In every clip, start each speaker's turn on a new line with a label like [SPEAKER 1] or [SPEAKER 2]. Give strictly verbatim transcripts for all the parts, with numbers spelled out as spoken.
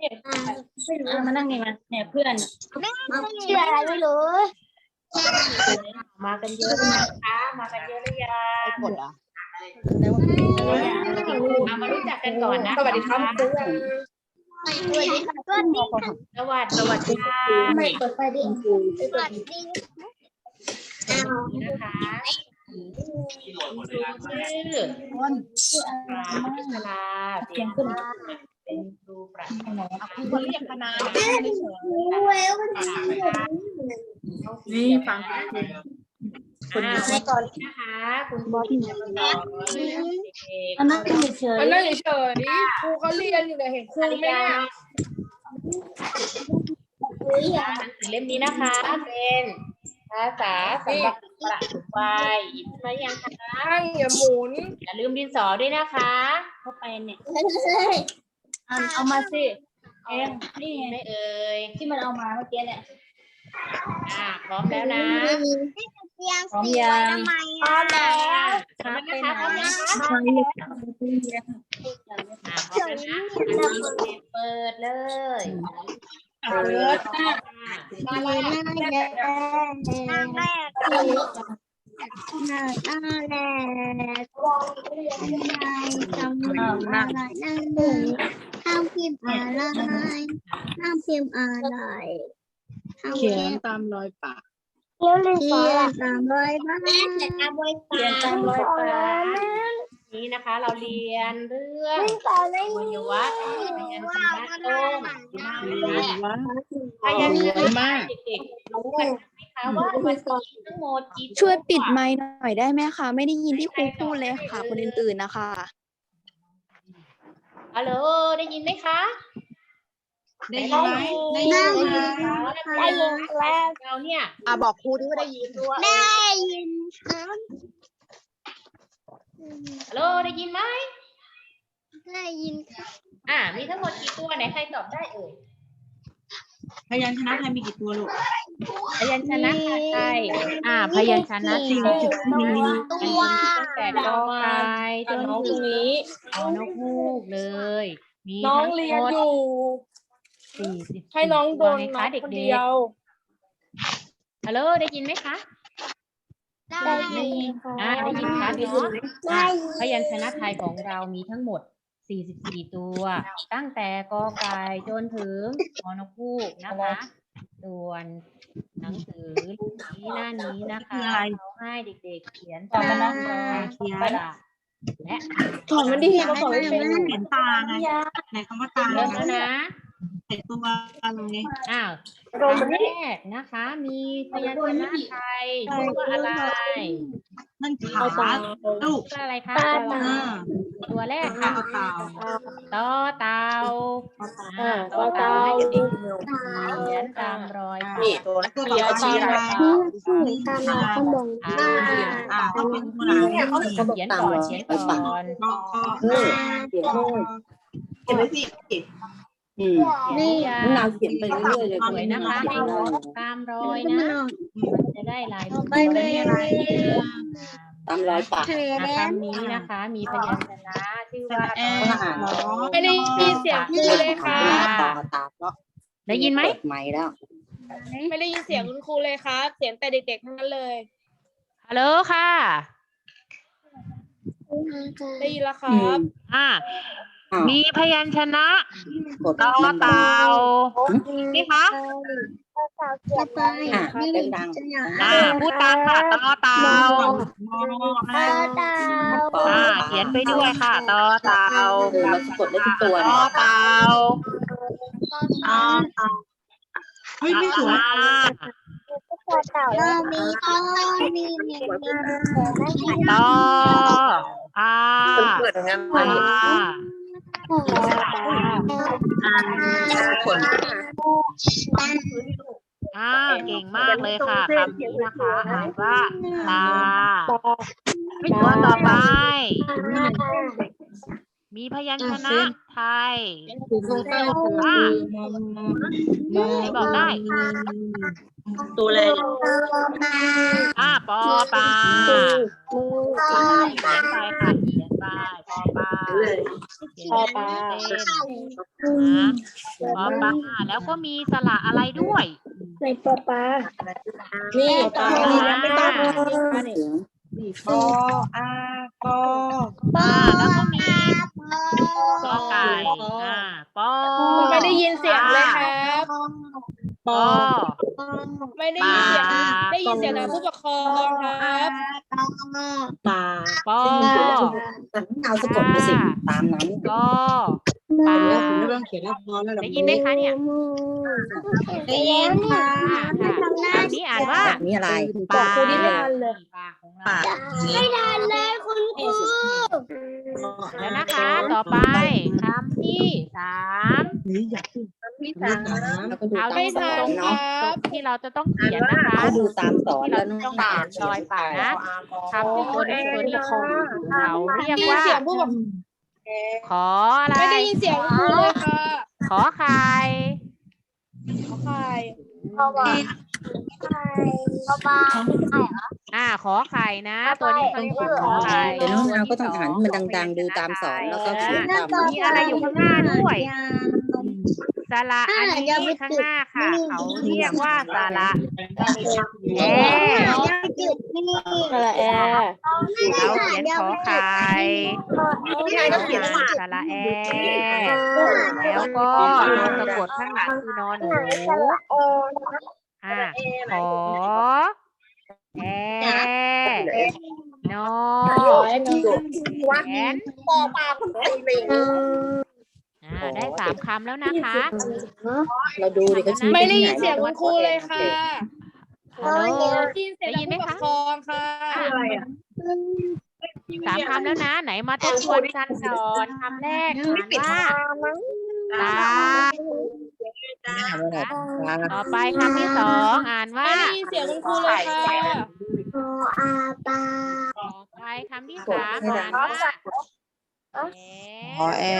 [SPEAKER 1] อ่ะมานั่งนี่มาเนี่ยเพื่อน
[SPEAKER 2] ชื่ออะไรไม่รู้
[SPEAKER 1] มากันเยอะเลยนะคะมากันเยอะหรือยัง
[SPEAKER 3] หมดเหรอ
[SPEAKER 1] เอามารู้จักกันก่อนนะ
[SPEAKER 3] สวัสดีครับ
[SPEAKER 1] ส
[SPEAKER 3] เพื่อน
[SPEAKER 2] สวัสดีค่ะสวัสดีค่ะ
[SPEAKER 1] วัสดีค่ะ
[SPEAKER 2] ไม่เปิดไฟดิสวัสดี
[SPEAKER 1] นะคะชื่อปราพิศลาเสียงขึ้นเป็นครูประจำ
[SPEAKER 3] คุณเรียกคณะ
[SPEAKER 2] เวล
[SPEAKER 1] นี่ฟังคุณในก่อนนะคะคุณบอสที่จะสอนอันนั้นเฉย
[SPEAKER 3] อันนั้นเฉยๆครูเขาเรียนอยู่เนี่ยเห็นครูไหมเนี่ย
[SPEAKER 1] หนังสือเล่มนี้นะคะเป็นภาษาสำหรับประถมวัยหยิบมายังคะ
[SPEAKER 3] ตั้งอย่าหมุน
[SPEAKER 1] อย่าลืมดินสอด้วยนะคะเข้าไปเนี่ยเอาเอามาสิเองนี่ไม่เอ่ยที่มันเอามาเมื่อกี้เนี่ยอ่าพร้อมแล้วนะพร้อมยังพร้อมแล้วพร้อมนะคะพร้อมนะคะอ่าพร้อมแล้วนะเปิดเลยเปิดหน้าแรก
[SPEAKER 2] หน้าแรกหน้าแรกหน้าแรกหน้าแรกจำอะไรนั่งดูห้ามพิมพ์อะไรห้ามพิมพ์อะไร
[SPEAKER 3] เขียนตามรอยปาก
[SPEAKER 2] เขียนตามรอยปาก
[SPEAKER 1] เขียนตามรอยปากนี้นะคะ เราเรียนเรื่องวัยวัฒน์พยัญชนะต้นพยัญชนะเด็กๆรู้กันไหมคะว่ามันมีทั้งหมดกี่ตัว
[SPEAKER 4] ช่วยปิดไมค์หน่อยได้ไหมคะ ไม่ได้ยินที่ครูพูดเลยค่ะ คนอื่นๆนะคะ
[SPEAKER 1] ฮัลโหลได้ยินไหมคะ
[SPEAKER 3] ได้ยินไหมได้ยินไหม
[SPEAKER 1] ได้ยินแล้วเราเนี่ย
[SPEAKER 3] อ่ะบอกครูที่ว่าได้ยินด้วย
[SPEAKER 2] ได้ยินครับ
[SPEAKER 1] ฮัลโหลได้ยินไหม
[SPEAKER 2] ได้ยินครับ
[SPEAKER 1] อ่ามีทั้งหมดกี่ตัวไหนใครตอบได้เอ่ย
[SPEAKER 3] พยัญชนะไทยมีกี่ตัวลูก
[SPEAKER 1] พยัญชนะไทยอ่า พยัญชนะไทย
[SPEAKER 2] ตัว
[SPEAKER 1] ตั้งแต่กอไก่จนถึงนี้เอานกฮูกเลย มี
[SPEAKER 3] น้อง
[SPEAKER 1] ทั้ง
[SPEAKER 3] เรี
[SPEAKER 1] ห
[SPEAKER 3] ยน
[SPEAKER 1] มด
[SPEAKER 3] อยู่
[SPEAKER 1] สี่สิบ
[SPEAKER 3] ให้น้องโดน
[SPEAKER 1] ไง
[SPEAKER 3] น้อ
[SPEAKER 1] คะ
[SPEAKER 3] ง
[SPEAKER 1] เด็
[SPEAKER 3] คน
[SPEAKER 1] ก
[SPEAKER 3] เดียว
[SPEAKER 1] ๆฮัลโหลได้ยินไหมคะ
[SPEAKER 2] ได้ยิน
[SPEAKER 1] อ่าได้ยินชัดเนาะอ่ะพยัญชนะไทยของเรามีทั้งหมดสี่สิบสี่ตัว ตั้งแต่กอไก่จนถึงฮอนกฮูกนะคะ ส่วนหนังสือเล่มนี้หน้านี้นะคะเราให้เด็กๆเขียนตามรอยกระดาษและ
[SPEAKER 3] ถอนมันดีเราบอกไม่เป็น
[SPEAKER 5] เห็นตาไงในคำว่าตา
[SPEAKER 1] เริ่มแล้วนะ
[SPEAKER 5] เห็นตัวอะไร
[SPEAKER 1] อ้าวอันแรกนะคะ มีพยัญชนะไทยชื่อว่าอะไร
[SPEAKER 5] นั่นขาลูก
[SPEAKER 1] ชื่ออะไรคะ
[SPEAKER 5] อ่า
[SPEAKER 1] ตัวแรก
[SPEAKER 5] ต่อ
[SPEAKER 1] ค่ะ
[SPEAKER 5] เต่า
[SPEAKER 1] ต่อเต่าอ่าต่อเต่าให้เด็กๆเขียนตามรอยปาก
[SPEAKER 3] นี่ตัว
[SPEAKER 5] แล้วตัวต่อไปอะไร
[SPEAKER 2] ตามมาข้างบน
[SPEAKER 1] อ่า
[SPEAKER 5] อ่าต้องเป็นตัวไหน
[SPEAKER 1] เขียนก่อนเขียนก่อน
[SPEAKER 5] รอ
[SPEAKER 3] เออเขียนโน่นเขียนไปสิอืม
[SPEAKER 2] นี่
[SPEAKER 3] นาวเขียนไปเรื่อยๆเลย
[SPEAKER 1] สวยนะคะให้ตามรอยนะมันจะได้ลาย
[SPEAKER 2] ไปเลย
[SPEAKER 3] ตามรอยปาก
[SPEAKER 2] เท
[SPEAKER 1] อ่ะ
[SPEAKER 2] แดน
[SPEAKER 1] คำนี้นะคะ มีพยัญชนะชื่อว่า
[SPEAKER 5] แอ
[SPEAKER 3] ต้องอ่าน
[SPEAKER 5] รอ
[SPEAKER 3] ไม่ได้ยินเสียงครูเลยค่ะตาตาก็
[SPEAKER 1] ได้ยินไหม
[SPEAKER 3] เปิดไมค์แล้ว
[SPEAKER 6] ไม่ได้ยินเสียงคุณครูเลยครับ เสียงแต่เด็กๆทั้งนั้นเลย
[SPEAKER 1] ฮัลโหลค่ะ
[SPEAKER 6] ได้ยินแล้วครับ
[SPEAKER 1] อ่า
[SPEAKER 3] อ้าว
[SPEAKER 1] มีพยัญชนะ
[SPEAKER 3] กด
[SPEAKER 1] ต่อ
[SPEAKER 3] มันดัง
[SPEAKER 1] เต่านี่คะ
[SPEAKER 2] จะไป
[SPEAKER 3] อ่ะ
[SPEAKER 2] นี่
[SPEAKER 3] ดัง
[SPEAKER 2] จะอยาก
[SPEAKER 1] อ่าพูดตามค่ะต่อเต่า
[SPEAKER 2] ตาตา
[SPEAKER 3] ๆต่อ
[SPEAKER 1] อ่า
[SPEAKER 3] ปาก
[SPEAKER 1] เขียนไปด้วยค่ะต่อเต่า
[SPEAKER 3] เออมันสะกดได้ทุกตัว
[SPEAKER 1] ต่อ
[SPEAKER 3] เนี่ย
[SPEAKER 1] เต่า
[SPEAKER 5] อ่าเฮ้ยไม่สวย
[SPEAKER 1] อ่า
[SPEAKER 2] เรามีต้นมีเมียมี
[SPEAKER 1] ต่ออ่า
[SPEAKER 3] เปิดอย่างนั้น
[SPEAKER 1] อ่า
[SPEAKER 3] คน
[SPEAKER 1] อ่าเก่งมากเลยค่ะคำนี้นะคะอ่านว่าตาตัวต่อไป มีพยัญชนะไทย อ่าใครบอกได้
[SPEAKER 3] ตัวอะไร
[SPEAKER 1] อ่าปอปลาเขียนไปค่ะเขียนไปปปอปลาเขียน
[SPEAKER 6] ปอปลา
[SPEAKER 1] เป็นนะปอปลาแล้วก็มีสระอะไรด้วย
[SPEAKER 2] ในปอปลา
[SPEAKER 6] นี่
[SPEAKER 1] ปอ
[SPEAKER 6] ปลา
[SPEAKER 1] ปลา
[SPEAKER 6] ยังไม่ต้อง
[SPEAKER 3] ปออาปอ
[SPEAKER 1] อ่าแล้วก็มีกอไก่อ่าปอ
[SPEAKER 6] ไม่ได้ยินเสียงเลยครับ
[SPEAKER 1] ปอ
[SPEAKER 6] ไม่ได้ยินเสียงได้ยินเสียงจากผู้ปกครองครับ
[SPEAKER 3] ปลา
[SPEAKER 1] ปอ
[SPEAKER 3] เอาสะกดไปสิตามนั้น
[SPEAKER 1] กอปลา
[SPEAKER 3] ผมไม่ต้องเขียนแล้วพอแล้ว
[SPEAKER 1] ได้ยินไหมคะเนี่ย
[SPEAKER 2] ได้ยินค่ะ
[SPEAKER 1] อ่าค่ะคำนี้อ่านว่า
[SPEAKER 3] นี่อะไร
[SPEAKER 1] ปลา
[SPEAKER 6] ครูนิทานเลย
[SPEAKER 1] ปลาของเรา
[SPEAKER 2] ไม่ทันเลยคุณครู
[SPEAKER 1] แล้วนะคะ ต่อไปคำที่สาม
[SPEAKER 3] นี่อยากพูดที่สามแล้วก็ดู
[SPEAKER 1] เอา
[SPEAKER 3] ตาม
[SPEAKER 1] ที่
[SPEAKER 3] ส
[SPEAKER 1] ต
[SPEAKER 3] อ
[SPEAKER 1] ร
[SPEAKER 3] น
[SPEAKER 1] ง
[SPEAKER 3] เนาะ
[SPEAKER 1] ตรงที่เราจะต้องเขียนนะคะ
[SPEAKER 3] เขาดูตามสอน
[SPEAKER 1] ที่
[SPEAKER 3] แล้
[SPEAKER 1] เรา
[SPEAKER 3] ว
[SPEAKER 1] จะ
[SPEAKER 3] น้
[SPEAKER 1] ต้
[SPEAKER 3] อ
[SPEAKER 1] อง งเขียนรอยปากนะคำที่ตัวนี้ตัวนี้เขาเรียก
[SPEAKER 6] ได้ยิน
[SPEAKER 1] ว่า
[SPEAKER 6] เสียงผู้ปก
[SPEAKER 1] ขออะไร
[SPEAKER 6] ไม่ได้ยินเสียงคุณครูเลยค่ะ
[SPEAKER 1] ขอไข่
[SPEAKER 6] ขอไข่
[SPEAKER 2] ปอปลาปอปลา
[SPEAKER 1] อ่าขอไข่นะ ตัวนี้เขาเรียกว่าขอไข่
[SPEAKER 3] เดี๋ยวน้องนาวก็ต้องอ่านให้มันดังๆดูตามสอนแล้วก็เขียนตาม
[SPEAKER 1] มีอะไรอยู่ข้างหน้าด้วยสระอันนี้ข้างหน้าค่ะ เขาเรียกว่าสระแอ
[SPEAKER 2] ยังจุดนี่
[SPEAKER 6] สระแอ
[SPEAKER 1] เราเขียนขอไข่สระแอแล้วก็ตัวสะกดข้างหลังคือนอนหนูอ่าขอแอนอแอน
[SPEAKER 2] ปอปลาคุณครูเลย
[SPEAKER 1] อ่าได้สามคำแล้วนะคะ
[SPEAKER 3] เราดูดิเขาชี้
[SPEAKER 6] ไม่ได้ยินเสียงคุณครูเลยค่ะ
[SPEAKER 1] ฮัลโหล
[SPEAKER 6] ได้ยินเสียงจากผู้ปกครองค่ะ
[SPEAKER 1] สามคำแล้วนะ ไหนมาทบทวนกันก่อนคำแรกอ่านว่าตา ต่อไปคำที่สองอ่านว่า
[SPEAKER 6] ไม่ได้ยินเสียงคุณครูเลยค่ะ
[SPEAKER 2] ปออาปลา
[SPEAKER 1] ต่อไปคำที่สามอ่านว่าแอ
[SPEAKER 3] ขอแอน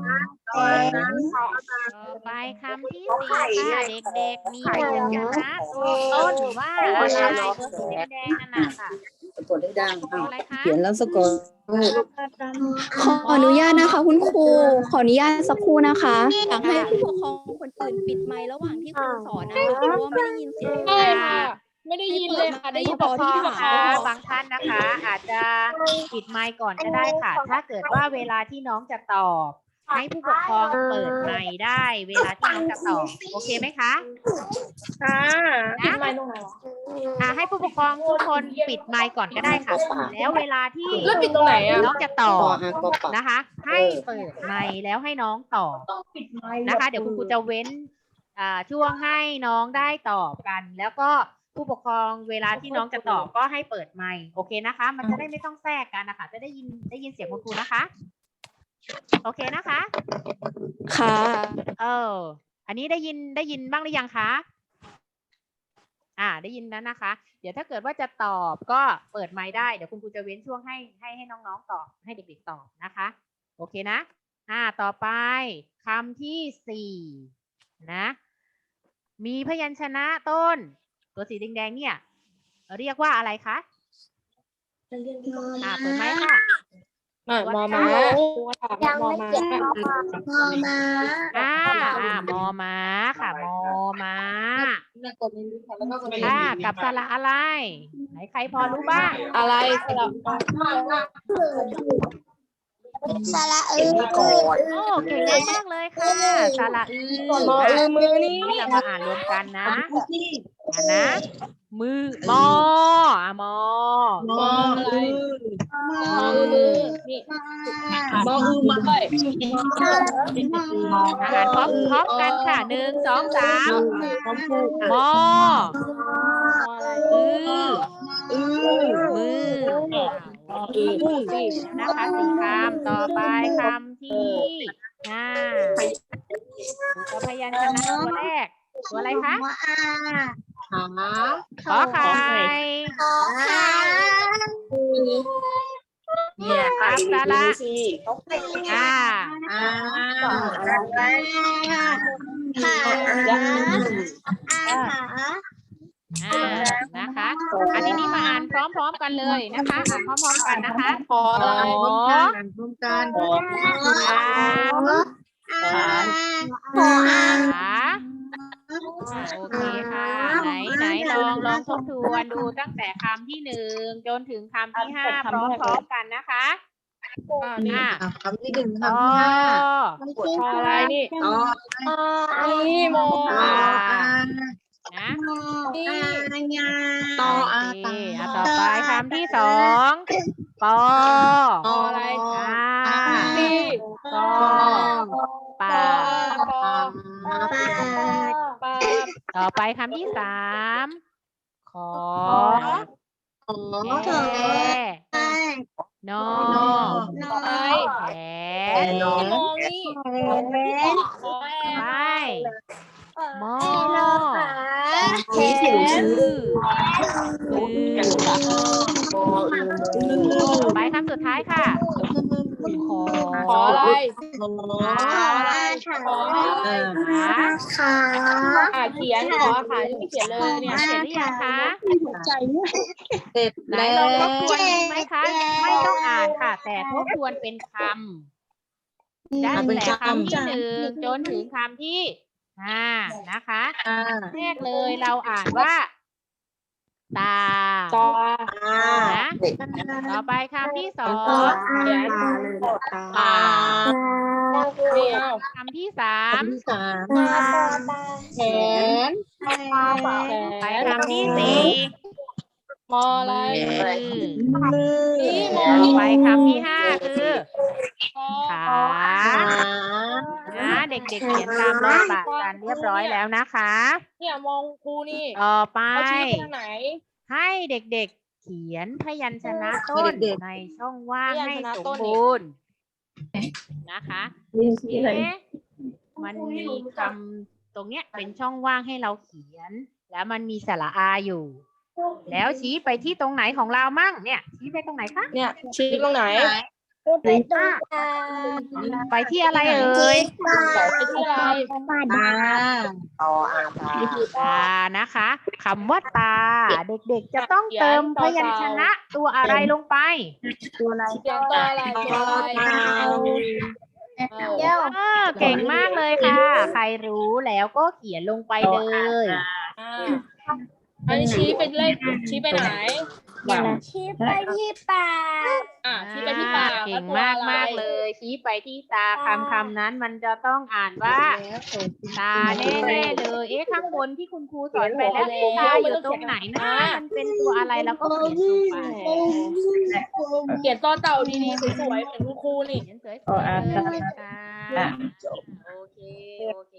[SPEAKER 1] ต่อไปคำที่สี่ค่ะเด็กๆมีพยัญชนะตัวต้นว่าอะไรตัวสีแดงๆนั่นน่ะค่ะ
[SPEAKER 3] สะกดได้ดัง
[SPEAKER 1] ตัวอะไรคะ
[SPEAKER 3] เขียนแล้วสะกด
[SPEAKER 4] ขออนุญาตนะคะ คุณครู ขออนุญาตสักครู่นะคะอยากให้ผู้ปกครองคนอื่นปิดไมค์ระหว่างที่ครูสอนนะคะเพราะว่าไม่ได้ยินเสียง
[SPEAKER 6] ใช่ค่ะ ไม่ได้ยินเลยค่ะ ได้ยิน
[SPEAKER 1] ผู้ป
[SPEAKER 6] แต่
[SPEAKER 1] กคร
[SPEAKER 6] ที่
[SPEAKER 1] อง
[SPEAKER 6] ผู้ปกคร
[SPEAKER 1] คะ
[SPEAKER 6] อง
[SPEAKER 1] บางท่านนะคะ อาจจะปิดไมค์ก่อนก็ได้ค่ะ ถ้าเกิดว่าเวลาที่น้องจะตอบ ให้ผู้ปกครองเปิดไมค์ได้ เวลาที่น้องจะตอบโอเคไหมคะ
[SPEAKER 6] ค่ะ
[SPEAKER 1] นะ
[SPEAKER 6] ไม่ตรงไหนวะ
[SPEAKER 1] อ่าให้ผู้ปกครองทุกคนปิดไมค์ก่อนก็ได้ค่ะ แล้วเวลาที่
[SPEAKER 6] แล้วปิดตรงไหนอ่ะ
[SPEAKER 1] น้องจะต
[SPEAKER 3] ป
[SPEAKER 1] อ
[SPEAKER 3] อบ อากอปะ
[SPEAKER 1] นะคะ ให้เปิดไมค์แล้วให้น้องตอบนะคะ เดี๋ยวคุณครูจะเว้นอ่าช่วงให้น้องได้ตอบกัน แล้วก็ผู้ปกครองเวลาที่น้องจะตอบก็ให้เปิดไมค์โอเคนะคะ มันจะได้ไม่ต้องแทรกกันนะคะ จะได้ยินได้ยินเสียงคุณครูนะคะ โอเคนะคะ
[SPEAKER 4] ค่ะ
[SPEAKER 1] เออ อันนี้ได้ยินได้ยินบ้างหรือยังคะ อ่า ได้ยินแล้วนะคะ เดี๋ยวถ้าเกิดว่าจะตอบก็เปิดไมค์ได้ เดี๋ยวคุณครูจะเว้นช่วงให้ให้ให้น้องๆตอบ ให้เด็กๆตอบนะคะ โอเคนะ อ่า ต่อไปคำที่สี่นะ มีพยัญชนะต้น ตัวสีแดงๆเนี่ย เรียกว่าอะไรคะ อ่า เปิดไมค์ค่ะ
[SPEAKER 6] อ่ะมอม้าถาม
[SPEAKER 2] ยัง
[SPEAKER 6] มอ
[SPEAKER 2] ไม่
[SPEAKER 6] ม้า
[SPEAKER 2] เจ็บมอมา
[SPEAKER 1] อ่า อ่ามอม้าค่ะ มอม้า อ่า กับสระอะไร ไหนใครพอรู้บ้าง
[SPEAKER 6] อะไรสลับ
[SPEAKER 2] สระอือ
[SPEAKER 1] โอ้เก่งมากเลยค่ะสระอือ
[SPEAKER 6] มออือมือนี่
[SPEAKER 1] เรามาอ่านรวมกันนะอ่านนะ มือ มออ่ะมอ
[SPEAKER 6] มออะไรมออือนี่มออือมาด้วย
[SPEAKER 1] อ่านพร้อมพร้อมกันค่ะหนึ่งสองสามมออือ
[SPEAKER 6] อือ
[SPEAKER 1] มือ
[SPEAKER 6] อือมือสิ
[SPEAKER 1] นะคะสี่คำต่อไปคำที่ห้าตัวพยัญชนะตัวแรก ตัวอะไรคะ
[SPEAKER 2] มออา
[SPEAKER 3] ขา
[SPEAKER 1] ขอไข่
[SPEAKER 2] ขอขา
[SPEAKER 3] เนี่ย
[SPEAKER 1] กับสระ
[SPEAKER 6] สิ
[SPEAKER 1] อ่า
[SPEAKER 3] อ่า
[SPEAKER 2] ขาขาอาขา
[SPEAKER 1] อ่านะคะ อันนี้นี่มาอ่านพร้อมๆกันเลยนะคะอ่านพร้อมๆกันนะคะ
[SPEAKER 6] ขออะไร
[SPEAKER 1] ขอ
[SPEAKER 3] ร่วมกัน
[SPEAKER 6] ขอ
[SPEAKER 1] อ่า
[SPEAKER 2] ขอ
[SPEAKER 1] ขา
[SPEAKER 2] อ่าน
[SPEAKER 1] อ่าโอเคค่ะ ไหนไหนลองลองทบทวนดูตั้งแต่คำที่หนึ่งจนถึงคำที่ห้าพร้อมๆกันนะคะ
[SPEAKER 6] อ่านี่
[SPEAKER 1] อ่า
[SPEAKER 3] อ่ะคำที่หนึ่ง
[SPEAKER 1] ต่อ
[SPEAKER 3] คำที่ห้า
[SPEAKER 6] ขออะไรนี่
[SPEAKER 3] ต่อ
[SPEAKER 6] นี่โม
[SPEAKER 3] ต่ออ่าน
[SPEAKER 1] นะ
[SPEAKER 6] นี่
[SPEAKER 3] ต่อ
[SPEAKER 1] โอ
[SPEAKER 3] อ่า
[SPEAKER 1] เค
[SPEAKER 3] นต่อ
[SPEAKER 1] อ่ะต่อไปคำที่สองปอ
[SPEAKER 3] ต่อ
[SPEAKER 6] อะไร
[SPEAKER 1] อ่า
[SPEAKER 6] นี่
[SPEAKER 1] ปอปา
[SPEAKER 6] ปอปา
[SPEAKER 1] ต่อไปคำที่สามขอ
[SPEAKER 3] ขอ
[SPEAKER 1] แกนอ
[SPEAKER 6] ไป
[SPEAKER 1] แข
[SPEAKER 3] แต่
[SPEAKER 1] น
[SPEAKER 3] น้อง
[SPEAKER 6] มองนี่ขอแอ
[SPEAKER 1] ไป
[SPEAKER 6] ม
[SPEAKER 1] มอ
[SPEAKER 3] ชี้สิวชี้
[SPEAKER 1] อืออือ ต่อไปคำสุดท้ายค่ะ ขอ
[SPEAKER 6] ขออะไร
[SPEAKER 3] ขอ
[SPEAKER 1] ขา
[SPEAKER 6] ขอ
[SPEAKER 3] เออ
[SPEAKER 1] ขา
[SPEAKER 2] ขา
[SPEAKER 6] อ่าเขียนขอขายังไม่เขียนเลยเนี่ย
[SPEAKER 1] เสร็จหรือยังคะ
[SPEAKER 3] เสร็จ
[SPEAKER 1] ไหน
[SPEAKER 3] แล้
[SPEAKER 1] ล
[SPEAKER 3] ว
[SPEAKER 1] องทบทวนดีไหมคะ ไม่ต้องอ่านค่ะ แต่ทบทวนเป็นคำได้แต่คำที่หนึ่งจนถึงคำที่ห้านะคะ
[SPEAKER 3] อ่า
[SPEAKER 1] แรกเลยเราอ่านว่า ตา
[SPEAKER 6] ต่อ
[SPEAKER 1] นะต่อไปคำที่สอง
[SPEAKER 6] เขียน
[SPEAKER 1] ปาก
[SPEAKER 6] นี่เอา
[SPEAKER 1] คำที่สาม
[SPEAKER 3] คำที่สาม
[SPEAKER 2] แขน
[SPEAKER 1] ไปคำที่สี่
[SPEAKER 6] มออะไร
[SPEAKER 1] มือ
[SPEAKER 6] นี่มอ
[SPEAKER 1] ต่อ
[SPEAKER 6] นี่
[SPEAKER 1] ไปคำที่ห้าคือ
[SPEAKER 6] ขอ
[SPEAKER 1] ขา
[SPEAKER 3] ขา
[SPEAKER 1] นะเด็กๆเขียนตามรอยปากกันเรียบร้อยแล้วนะคะ
[SPEAKER 6] เนี่ยมองครูนี่
[SPEAKER 1] ต่อไป
[SPEAKER 6] เขาชี้ไปทางไหน
[SPEAKER 1] ให้เด็กๆเขียนพยัญชนะต้นในช่องว่าง
[SPEAKER 6] พยัญ
[SPEAKER 1] ให้
[SPEAKER 6] ชนะ
[SPEAKER 1] ส
[SPEAKER 6] ต้
[SPEAKER 1] ม
[SPEAKER 6] นนี่
[SPEAKER 1] บูรณ์นะคะเอ๊ะมันมีคำตรงเนี้ยเป็นช่องว่างให้เราเขียน แล้วมันมีสระอาอยู่ แล้วชี้ไปที่ตรงไหนของเรามั่งเนี่ย ชี้ไปตรงไหนคะ
[SPEAKER 6] เนี่ยชี้ตรงไหน
[SPEAKER 2] ไปตรงกลาง
[SPEAKER 1] ไปที่อะไรเอ่ย
[SPEAKER 6] ไปที่อะไร
[SPEAKER 3] ตาต่ออ่าตา
[SPEAKER 1] ตานะคะคำว่าตา เด็กๆจะต้องเติมพยัญชนะตัวอะไรลงไป
[SPEAKER 3] ตัวอะไร
[SPEAKER 6] เขียนตัวอะไรตัวอะไรเออ
[SPEAKER 2] เดี๋ยว
[SPEAKER 1] เออเก่งมากเลยค่ะ ใครรู้แล้วก็เขียนลงไปเลย
[SPEAKER 6] อ่าอันนี้ชี้เป็นเลขชี้ไปไหน
[SPEAKER 2] ชี้ไปที่ปาก
[SPEAKER 6] อ่าชี้ไปที่ปาก
[SPEAKER 1] เก่งมากมากๆเลย ชี้ไปที่ตาคำคำนั้นมันจะต้องอ่านว่า ตาแน่ๆเลย เอ๊ะข้างบนที่คุณครูสอนไปแล้วตาอยู่ตรงไหนนะมันเป็นตัวอะไรแล้วก็เขียนลงไป
[SPEAKER 6] เขียนต่อเต่าดีๆสวยๆเหมือนคุณครูนี่
[SPEAKER 1] เขียนสวยๆเลยค่ะโอเคโอเค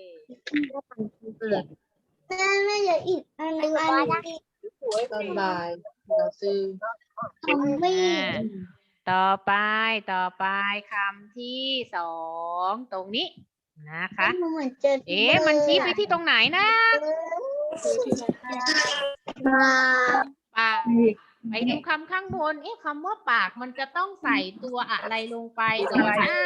[SPEAKER 2] แม่ไม่เหลืออีกอันนึงอันนี้
[SPEAKER 3] ตอนบ่ายเราซื้อ
[SPEAKER 2] คำวิ่
[SPEAKER 1] อ่าง ต่อไปต่อไปคำที่สองตรงนี้นะคะ
[SPEAKER 2] เหมือนเจอ
[SPEAKER 1] เอ๊ะมันชี้ไปที่ตรงไหนนะ
[SPEAKER 2] มา
[SPEAKER 1] ปากไปดูคำข้างบน เอ๊ะคำว่าปากมันจะต้องใส่ตัวอะไรลงไปก่อนนะ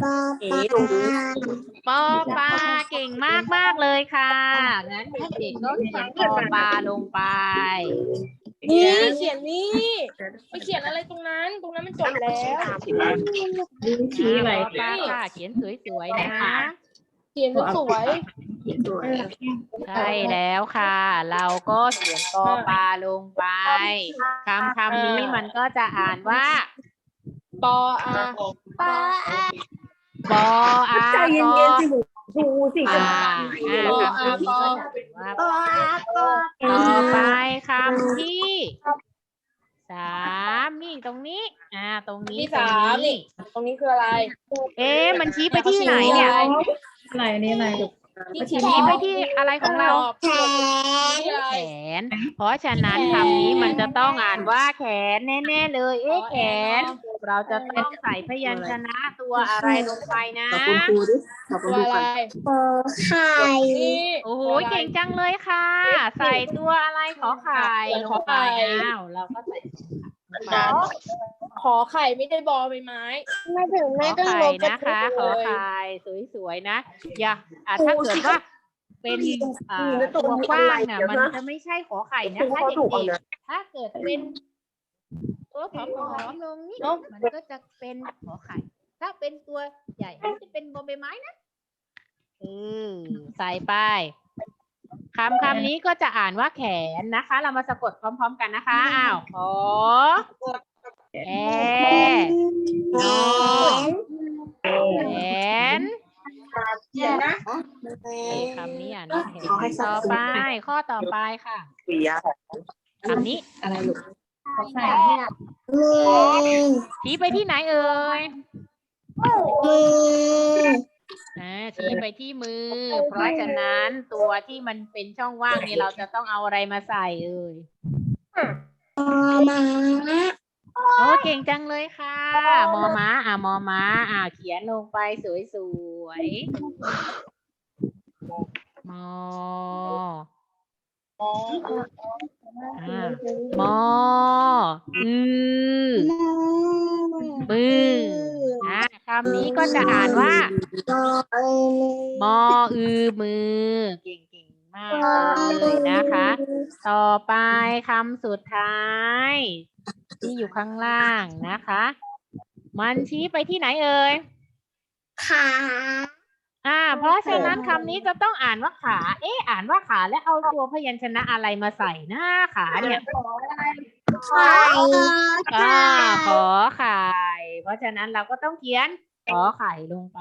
[SPEAKER 2] ปอปลา
[SPEAKER 1] ปอปลาเก่งมากมากๆเลยค่ะ งั้นเด็กๆก็เขียนปอปลาลงไป
[SPEAKER 6] นี่เขียนนี่ไปเขียนอะไรตรงนั้น ตรงนั้นมันจบแล้ว
[SPEAKER 3] ชี้อะไร
[SPEAKER 1] ปอปลาค่ะ เขียนสวยๆนะ
[SPEAKER 6] เขียนสวย
[SPEAKER 1] ใช่แล้วค่ะ เราก็เขียนปอปลาลงไปคำคำนี้มันก็จะอ่านว่า
[SPEAKER 6] ปออา
[SPEAKER 2] ปลา
[SPEAKER 1] ปออา
[SPEAKER 3] ใจเย็นๆสิดูสิ
[SPEAKER 1] ปาอ่าคำนี้ก็จะเป็นว่า
[SPEAKER 2] ปอปอ
[SPEAKER 1] ต่อไปคำที่สามนี่ตรงนี้ อ่า ตรงนี้
[SPEAKER 6] ที่
[SPEAKER 1] ตร
[SPEAKER 6] สาง ม
[SPEAKER 1] นี้
[SPEAKER 6] นี่ตรงนี้คืออะไร
[SPEAKER 1] เอ๊ะมันชี้ไปที่ไหนเนี่ย
[SPEAKER 3] อะไรนี่อะไร
[SPEAKER 6] ที่
[SPEAKER 1] ชี้ไปที่อะไรของเรา
[SPEAKER 2] แขน
[SPEAKER 6] ที่อะไร
[SPEAKER 1] แขน เพราะฉะนั้นคำนี้มันจะต้องอ่านว่าแขนแน่ๆเลย เอ๊ะแขน เราจะต้องใส่พยัญชนะตัวอะไรลงไปนะ
[SPEAKER 3] ขอบคุณครูดิขอบคุ
[SPEAKER 6] ตั
[SPEAKER 3] ณ
[SPEAKER 6] ว
[SPEAKER 3] ครู
[SPEAKER 6] อะไร
[SPEAKER 3] ก่อน
[SPEAKER 2] ปอไข่
[SPEAKER 6] นี่
[SPEAKER 1] โอ้โห เก่งจังเลยค่ะ ใส่ตัวอะไรขอไข่ลงไปอ้าวเราก็ใส่ขอ
[SPEAKER 6] ขอไข่ไม่ได้บอใบไม้
[SPEAKER 2] ไม่ถึงไม่ต้อง
[SPEAKER 1] ไข่
[SPEAKER 2] ลบ
[SPEAKER 1] นะคะ ขอไข่สวยๆนะ อย่าอ่ะถ้าเกิดว่าเป็นอ่าตัวกว้างน่ะมันจะไม่ใช่ขอไข่นะคะเด็กๆถ้าเกิดเป็นตัวผอมๆลงนี่มันก็จะเป็นขอไข่ ถ้าเป็นตัวใหญ่มันจะเป็นบอใบไม้นะเออใส่ไปคำคำนี้ก็จะอ่านว่าแขนนะคะ เรามาสะกดพร้อมๆกันนะคะอ้าวขอแอนอแขนคำนี้อ่านว่าแขนต่อไปข้อต่อไปค่ะ
[SPEAKER 3] ปียะ
[SPEAKER 1] คำนี้
[SPEAKER 3] อะไรลูก
[SPEAKER 2] ใส่เนี่ย
[SPEAKER 1] ชี้ไปที่ไหนเอ่ย
[SPEAKER 2] มือ
[SPEAKER 1] อ่าชี้ไปที่มือ เพราะฉะนั้นตัวที่มันเป็นช่องว่างนี่เราจะต้องเอาอะไรมาใส่เอ่ย
[SPEAKER 2] มา
[SPEAKER 1] โอ้เก่งจังเลยค่ะ มอม้าอ่ะมอม้าอ่ะเขียนลงไปสวยๆมออ่ามออือมืออ่ะคำนี้ก็จะอ่านว่า มออือมือเก่งๆมากเลยนะคะ ต่อไปคำสุดท้าย ที่อยู่ข้างล่างนะคะ มันชี้ไปที่ไหนเอ่ย
[SPEAKER 2] ขา
[SPEAKER 1] อ่า เพราะฉะนั้นคำนี้จะต้องอ่านว่าขา เอ๊ะอ่านว่าขาแล้วเอาตัวพยัญชนะอะไรมาใส่หน้าขาเนี่ย
[SPEAKER 2] ไข่
[SPEAKER 1] อ่าขอไข่ เพราะฉะนั้นเราก็ต้องเขียนขอไข่ลงไป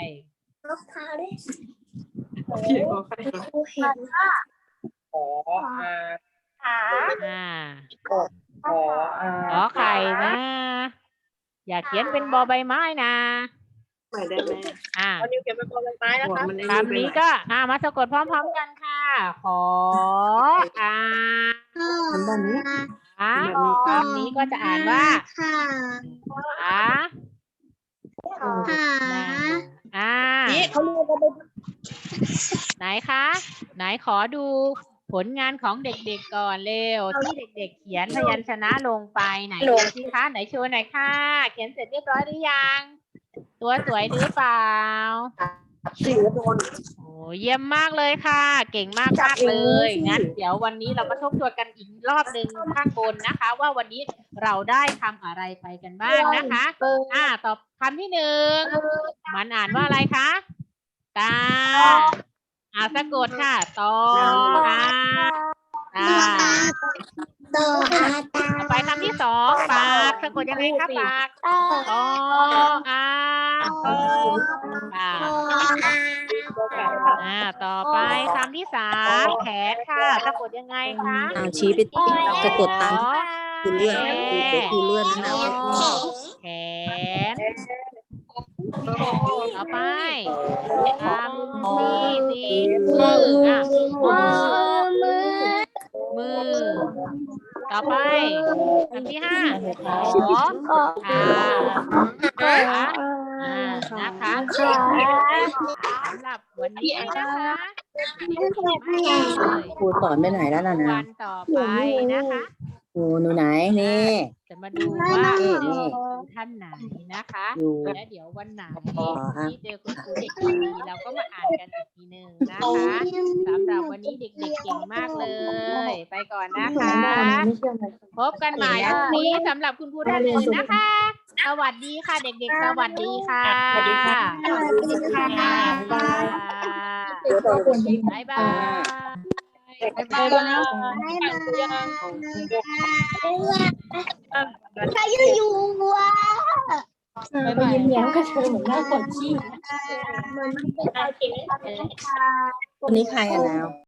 [SPEAKER 3] พี่ขอใคร
[SPEAKER 2] เห็น
[SPEAKER 3] ขออา
[SPEAKER 1] อ่า
[SPEAKER 3] ขออา
[SPEAKER 1] ขอไข่นะ อย่าเขียนเป็นบอใบไม้นะ
[SPEAKER 3] ใหม่ได้ไหม
[SPEAKER 1] อ่า
[SPEAKER 3] เอานิ้วเขียนเป็นบอลไม้นะคะ
[SPEAKER 1] คำนี้ก็ อ่ามาสะกดพร้อมๆกันค่ะ ขออา
[SPEAKER 3] ทำแบบนี้
[SPEAKER 1] อาคำนี้ก็จะอ่านว่า
[SPEAKER 2] ค่ะ
[SPEAKER 1] ขา
[SPEAKER 2] ขา
[SPEAKER 1] อ่า
[SPEAKER 3] นี่เขาเรียกว่า
[SPEAKER 1] ไหนคะ ไหนขอดูผลงานของเด็กๆก่อนเร็ว ที่เด็กๆเขียนพยัญชนะลงไปไหนดูสิคะไหนโชว์หน่อยค่ะ เขียนเสร็จเรียบร้อยหรือยัง ตัวสวยหรือเปล่า
[SPEAKER 3] สีโดน
[SPEAKER 1] โอ้เยี่ยมมากเลยค่ะ เก่งมากมากเลย งั้นเดี๋ยววันนี้เรามาทบทวนกันอีกรอบหนึ่งข้างบนนะคะ ว่าวันนี้เราได้ทำอะไรไปกันบ้างนะคะ อ่าตอบคำที่หนึ่งมันอ่านว่าอะไรคะตาอ่าสะกดค่ะตออาตา
[SPEAKER 2] ต่ออาตา
[SPEAKER 1] ต่อไปคำที่สองปากสะกดยังไงคะปากตออาตอปาก อ่า ต่อไปคำที่สามแขนค่ะสะกดยังไงคะ
[SPEAKER 7] เอาชี้ไปสะกดตามที่ครูเลื่อนครูเดี๋ยวครูเลื่อนนะนะ
[SPEAKER 1] แขน ต่อไปคำที่สี่มืออ่ะมือมือ ต่อไปคำที่ห้าขอขาขาอ่านะคะสำหรับวันนี้นะคะ
[SPEAKER 7] ครูสอนไปไหนแล้วล่ะนะ
[SPEAKER 1] วันต่อไปนะคะ
[SPEAKER 7] ครูหนูไหนนี่
[SPEAKER 1] จะมาดูว่า
[SPEAKER 7] นี่นี่
[SPEAKER 1] ท่านไหนนะคะ
[SPEAKER 7] อยู่
[SPEAKER 1] และเดี๋ยววันไหน
[SPEAKER 7] อ๋อฮะ
[SPEAKER 1] ที่เจอคุณครูเด็กดีเราก็มาอ่านกันอีกทีหนึ่งนะคะสำหรับวันนี้เด็กๆเก่งมากเลย ไปก่อนนะคะ พบกันใหม่พรุ่งนี้สำหรับคุณครูท่านอื่นนะคะ สวัสดีค่ะเด็กๆ สวัสดีค่ะ
[SPEAKER 3] สวัสดีค่ะ
[SPEAKER 2] สวัสดีค่ะ
[SPEAKER 1] บ๊ายบายบ๊ายบาย
[SPEAKER 2] บ๊ายบายใครอยู่วะ
[SPEAKER 6] ไปยิ้มแย้มกระเชยเหมือนหน้าปวดขี้
[SPEAKER 2] มันไม่เป็นอะไร
[SPEAKER 7] คนนี้ใครอ่ะนาว